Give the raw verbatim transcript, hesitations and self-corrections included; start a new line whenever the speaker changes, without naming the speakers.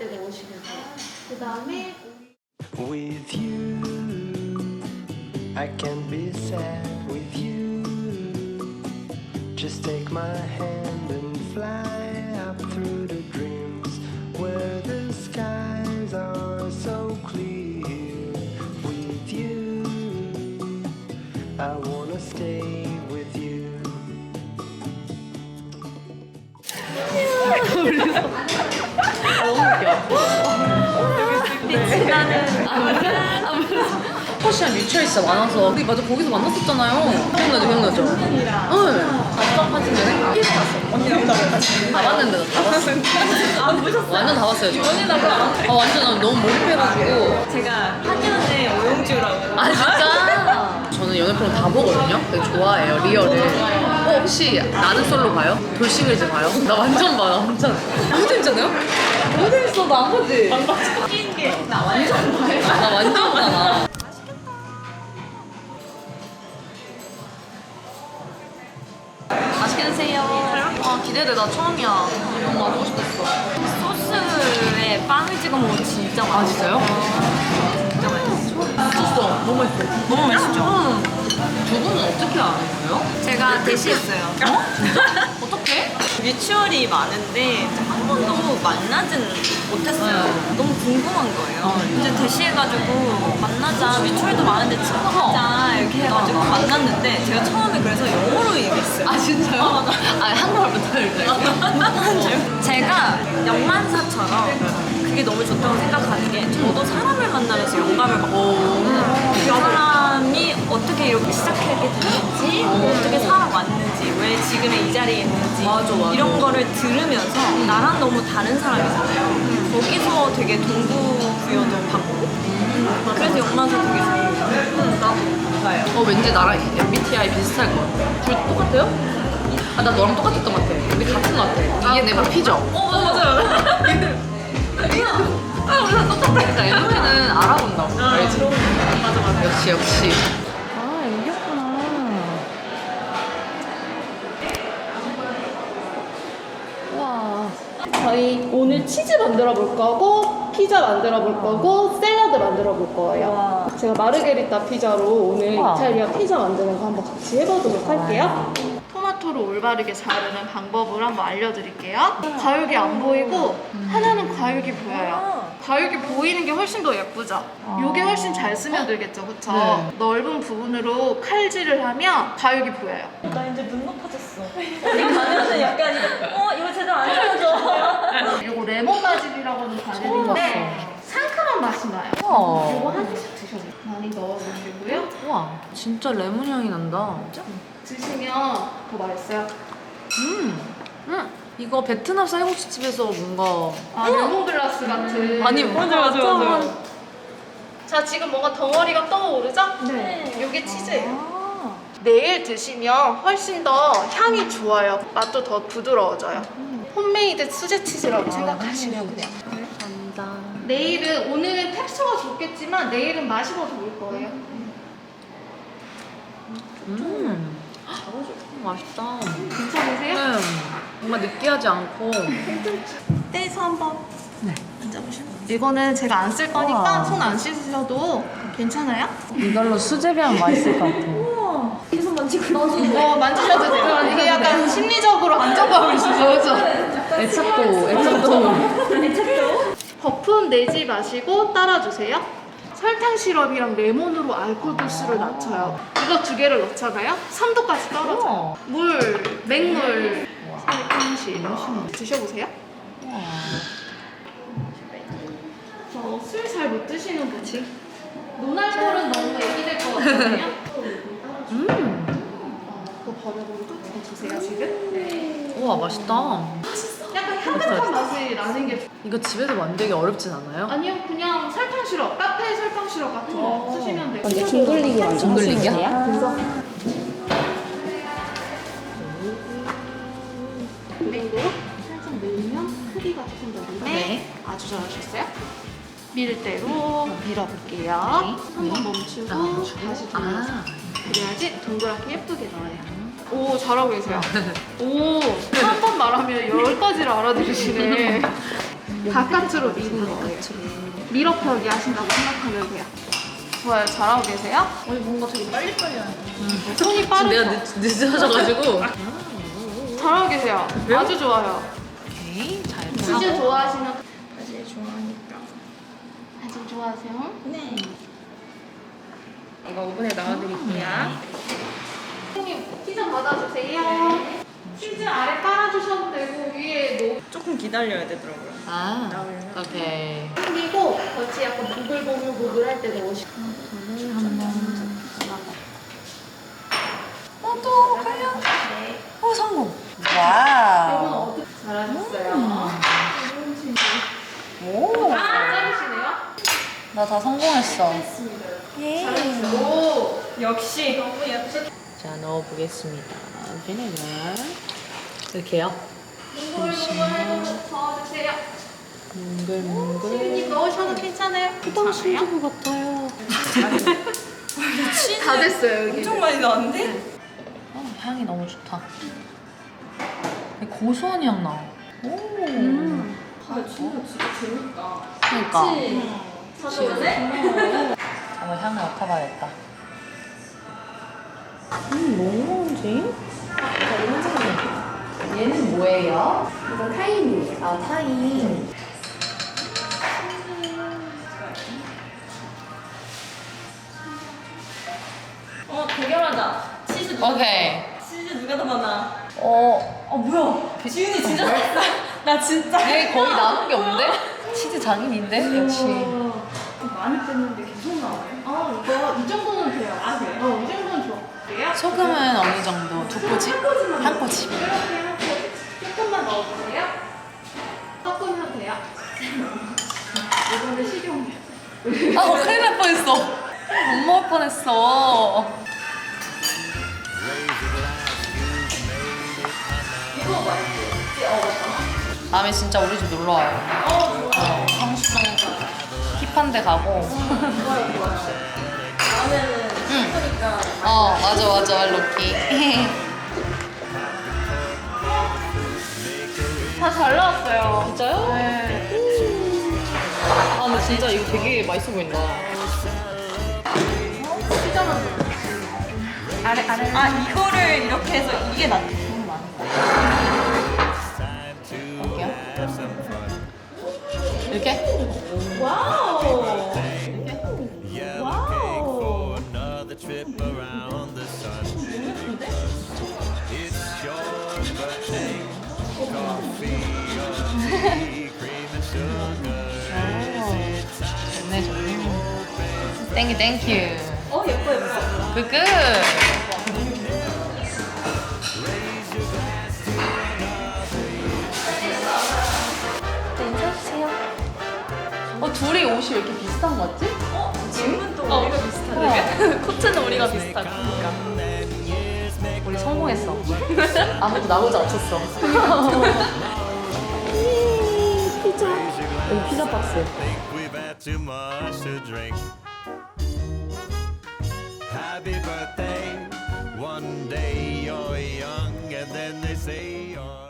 때 넣으시면 돼요. 그 다음에
With you, I can be sad with you. Just take my hand and fly up through the dreams where the skies are so clear. With you, I wanna stay with you.
퍼시안 뮤추얼 진짜 많아서 우리 맞아 거기서 만났었잖아요. 기억나죠 기억나죠? 응. 마지막 사진전에 피해서 봤어. 언니랑 다 봤는데 나 다 봤어.
안 보셨어요?
완전 다 봤어요. 언니랑 아 완전 난 너무 몰입해가지고.
제가 한년의 오용주라고.
아 진짜? 저는 연애 프로그램 다 보거든요. 되게 좋아해요 리얼을. 어 혹시 나는 솔로 봐요? 돌싱글즈 봐요? 나 완전 봐요 완전. 너무 재밌잖아요? 너무 재밌어 나 안 보지?
안 봤어. 웃긴 게 나 완전 봐요.
나 완전 봐. 맛있게 드세요. 아 기대돼 나 처음이야. 너무 맛보고 싶었어.
소스에 빵을 찍어 먹으면 진짜 맛있어.
아 진짜요?
진짜 맛있어.
미쳤어. 너무 맛있어.
너무 맛있죠?
응. 두 분은 어떻게 아는 거예요?
제가 대시했어요.
어? 어떻게?
뮤추얼이 많은데 한 번도 만나진 못했어요.
네.
너무 궁금한 거예요.
어.
이제 대시해가지고 만나자. 뮤추얼도 많은데 친구하자 이렇게 해가지고 만났는데 제가 처음에 그래서 영어로 얘기했어요.
아 진짜요? 아 한국말 못할 때.
제가 영만사처럼 그게 너무 좋다고 생각하는 게 저도 사람을 만나면서 영감을 받고 그 사람이 어떻게 이렇게 시작하게 됐는지 어떻게 살아왔는지 왜 지금의 이 자리에 있는지
맞아, 맞아.
이런 거를 들으면서 나랑 너무 다른 사람이잖아요. 거기서 되게 동기부여도 받고 그래서 영만사 되게 좋은 것 같아요. 나도 봐요.
어 왠지 나랑 엠비티아이 비슷할 것 같아. 둘 똑같아요? 아 나 너랑 똑같았던 것 같아. 우리 같은 것 같아. 이게 내 목피죠?
어 맞아요.
아 우리 다 똑같아. 그러니까 엠비티는 알아본다고. 알지?
맞아 맞아.
역시 역시.
아 여기였구나.
와. 저희 오늘 치즈 만들어 볼 거고 피자 만들어 볼 거고 샐러드 만들어 볼 거예요.
와.
제가 마르게리타 피자로 오늘
와.
이탈리아 피자 만드는 거 한번 같이 해보도록 할게요. 토마토를 올바르게 자르는 방법을 한번 알려드릴게요. 과육이 안 보이고 하나는 과육이 보여요. 과육이 보이는 게 훨씬 더 예쁘죠? 이게 훨씬 잘 스며들겠죠, 그쵸?
네.
넓은 부분으로 칼질을 하면 과육이 보여요.
나 이제 눈 높아졌어. 어디 가면은 약간 이거, 어 이거 제대로 안 찍어줘.
이거 레몬 바질이라고 하는 과일인 건데 상큼한 맛이 나요.
우와.
이거 한 입씩 드셔보세요. 많이 넣어주시고요.
우와 진짜 레몬 향이 난다.
드시면 더 맛있어요.
음. 음. 이거 베트남 쌀국수 집에서 뭔가
아, 레몬글라스 같은.
아니
맞아, 맞아, 맞아.
자, 지금 뭔가 덩어리가 떠오르죠?
네.
이게 치즈예요.
아.
내일 드시면 훨씬 더 향이 좋아요. 맛도 더 부드러워져요. 홈메이드 수제 치즈라고 생각하시면 그냥.
감사합니다.
내일은, 오늘은 텍스처가 좋겠지만 내일은 맛이 더 좋을 거예요.
음. 맛있다.
괜찮으세요?
네. 정말 느끼하지 않고.
떼서 한번 앉아보시면. 이거는 제가 안 쓸 거니까
우와.
손 안 씻으셔도 괜찮아요?
이걸로 수제비하면 맛있을 것 같아.
계속 만지고 나도.
어, 만지셔도 돼요. 이게 약간 심리적으로 안정감을 주죠, 그죠?
애착도, 애착도.
거품 내지 마시고 따라주세요. 설탕 시럽이랑 레몬으로 알코올 도수를 낮춰요. 이거 두 개를 넣잖아요. 삼 도까지 떨어져요.
우와.
물, 맹물, 설탕 시럽. 드셔보세요. 저 술 잘 못 드시는 분이 노날콜은 너무 애기될 것 같거든요.
음.
그거 버려버리고 더 주세요, 지금. 네.
우와 맛있다.
약간 향긋한 맛이 나는 게
이거 집에서 만들기 어렵진 않아요?
아니요, 그냥 설탕 시럽, 카페 설탕 시럽 같은 거 쓰시면 돼요.
근데 둥글리기 완전
둥글리기야?
그래서 밀도로 살짝 밀면 크기가 조금 더
네.
네. 아주 잘하셨어요. 밀대로 밀어볼게요. 한번 멈추고 다시 돌려서.
아.
그래야지 동그랗게 예쁘게 나와요. 오, 잘하고 계세요. 오, 한 번 말하면 열 가지를 알아들으시네. 바깥으로 미는 거예요. 밀어펴기 하신다고 생각하면 돼요. 좋아요. 잘하고 계세요?
아니 뭔가 되게 빨리빨리 하네.
손이
지금
빠르죠?
내가 늦, 늦어져가지고.
잘하고 계세요. 아주 좋아요.
오케이, 잘
치즈
보고.
좋아하시는
사실 좋아하니까.
아주 좋아하세요?
네.
이거 오븐에 넣어드릴게요.
선생님 피자 받아주세요. 치즈 아래 깔아주셔도 되고 위에 놓
조금 기다려야 되더라고요.
아, 오케이.
그리고 같이 약간 보글보글보글 할 때 넣으시고
어, 또 과연?
네.
어, 성공.
이건
와우.
어떻게 잘하셨어요?
오.
아, 잘하시네요?
나 다 성공했어.
예.
오!
역시. 너무 예쁘.
자, 넣어보겠습니다. 비네가. 이렇게요.
몽글몽글 저어주세요.
몽글몽글.
시민님 넣으셔도 괜찮아요?
후당 신주부 같아요.
다 됐어요 여기.
엄청 많이 나왔는데?
어, 향이 너무 좋다. 고소한 향 나. 오.
아, 진짜 진짜 재밌다.
그러니까.
가져올래?
한번 향을 맡아봐야겠다. 음, 뭐 먹는지? 얘는 뭐예요?
이건 타임이에요.
아, 타임.
어, 대결하자. 치즈 누가
오케이.
치즈 누가 더 많아?
어,
어, 뭐야? 지윤이 진짜 잘했어. 나 진짜.
얘 거의 남은 게 없는데? 치즈 장인인데? 역시.
많이 뺐는데 계속 나와요.
아 이거 이 정도는 돼요.
아, 그래요?
어, 이 정도는 좋아. 돼요?
소금은 어느 정도? 두 꼬집? 한 꼬집.
이렇게 하고 조금만 넣어주세요. 섞으면 돼요. 이거는 식용.
아, 어, 큰일 날 뻔했어. 못 먹을 뻔했어. 다음에 진짜 우리 집 놀러 와요. 어, 성수동 힙한 데 가고.
다음에는
응.
그러니까
어, 맞아, 맞아, 로키.
다 잘 나왔어요.
진짜요?
네.
아, 근데 진짜 이거 되게 맛있어 보인다.
피자만 넣어. 아래 아래.
아, 이거를 이렇게 해서 이게 낫
볼게요. 이렇게?
와우. 와우.
another trip around the sun. It's your birthday. Coffee or tea, cream and sugar.
좋네, 좋네. 땡큐, 땡큐.
어, 예뻐, 예뻐.
굿굿. 어, 둘이 옷이 왜 이렇게 비슷한 거 같지?
어? 질문도 우리가 비슷하네. 코트는 우리가 비슷하고.
우리 성공했어. 아무도 나오지 않았어. 피자. 여기 피자 박스.
We've had too much to drink. Happy birthday. One day you're young, and then they say you're